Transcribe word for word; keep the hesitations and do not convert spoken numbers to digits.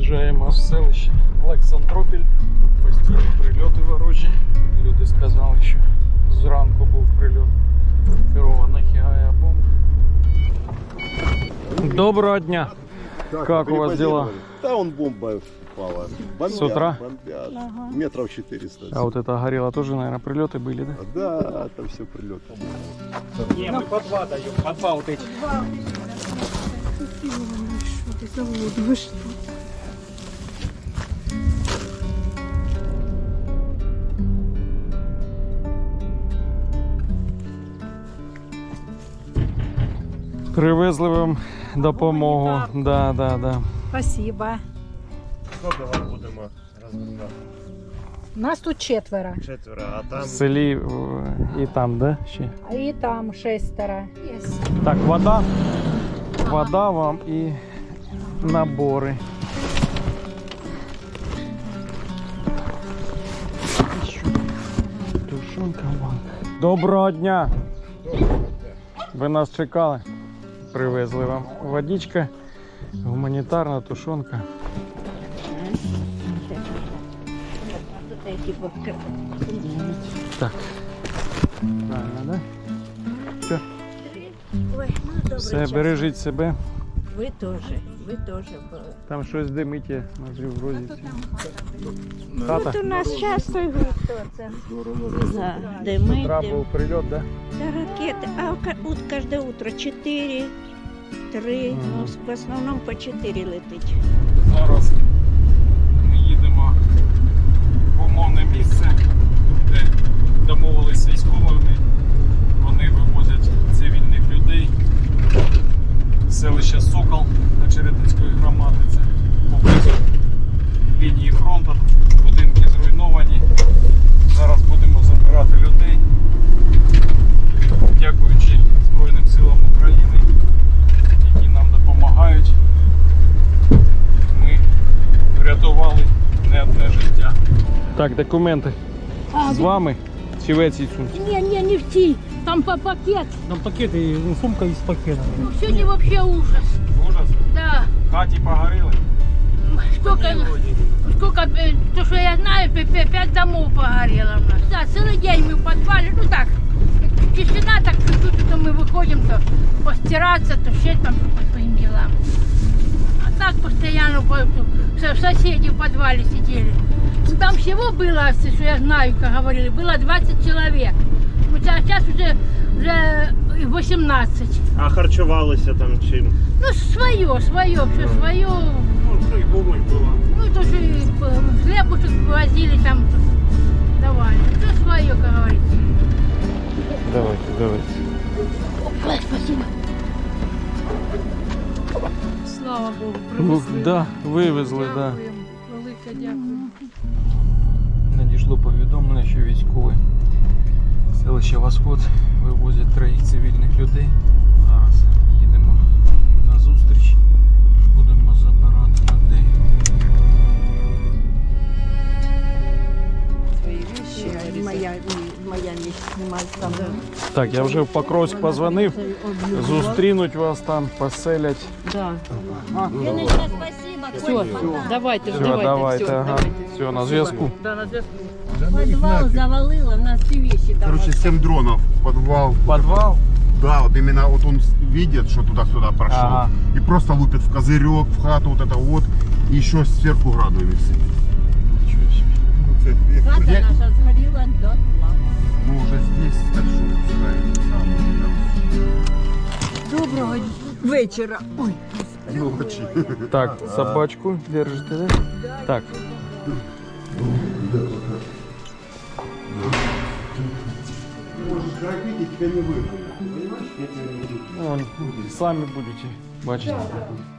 Заїжджаємо в селище Олександропіль. Тут постійні прильоти ворожі. Люди сказали, що зранку був прильот керованих авіабомб. Доброго дня! Как, Как у вас дела? Да, он бомба впала. Бомбят, С утра? бомбят. Ага. Метров четыреста. А вот это горело тоже, наверное, прилеты были, да? Да, там все прилеты. Не, мы по два даем, по два вот эти. Что ты завод, вы что? Привезли вам допомогу. Да, да, да. Спасибо. Сколько вам будемо розгружати? Нас тут четверо. Четверо, а там В селі е, і там, да? Ще. А и там шестеро. Есть. Так, вода. Вода вам і набори. Тушонка вон. Доброго дня! Ви нас чекали? Привезли вам водичка, гуманітарна тушонка. Так. Правильно, да? Все. Ой, ну добре. Все, бережіть себе. Ви теж, ви теж. Там щось димить, я смотрю, вроді. Хата. От у нас часто його хто це? За З дими, утра дим. був прильот, да? Та ракети. А у ка- от кожне утро чотири, три, Мгм. ну в основному по чотири летить. Зараз ми їдемо в умовне місце, де домовилися з військовими. Вони вивозять цивільних людей. Селище Сокол Очеретинської громади. Це поблизу лінії фронту. Будинки зруйновані. Зараз будемо забирати людей. Дякуючи Збройним силам України, які нам допомагають. Ми врятували не одне життя. Так, документи А, з вами чи в цій сумці? Не, не, не в ти. Там по пакет. там пакеты, ну, сумка из пакета. Ну, сегодня вообще ужас. Ужас. Да. В хаті погоріли. Сколько, сколько, э, то, что я знаю, пя- пя- пять домов погорело у нас. Да, целый день мы в подвале. Ну так, тишина, так чуть-чуть, то мы выходим, то постираться, то ще там по своим делам. А так постоянно по- со- соседи в подвале сидели. Ну, там всего было, что я знаю, как говорили, было двадцать человек. Ну, сейчас уже, уже восемнадцать. А харчувалися там чим? Ну, свое, свое, все свое. Ну, что и помощь была. Ну, тоже хлебушек возили там, давали. Все свое, как говорится. Давайте, давайте. Ой, спасибо. Слава Богу, Ну, привезли. да, вивезли, да. Дякуємо. Велике дякую. Надійшло повідомлення, що військові селище Восход вивозять троїх цивільних людей. Зараз їдемо їм на зустріч. Будемо забирати людей. Моя, моя місць там. Так, я вже в Покровськ позвонив. Зустрінуть вас там, поселять. Да. Все, Давайте, Все, давайте, ага. Все, на зв'язку. Подвал завалило, у нас всі вещи там. Короче, семь дронов, подвал. Подвал? Да, вот именно вот он видит, что туда-сюда прошел. Ага. И просто лупит в козырек, в хату вот это вот. И еще сверху градами все. Нічого собі. Ну, Хата я- наша згоріла дотла. мы уже здесь, так что пускай там, Доброго вечора. Ой. да. Ночи. Так, собачку держите, да? Так. Можешь грабить, и тебя не выгонят. Понимаешь? Я тебя не буду. Ну, самі будете бачити.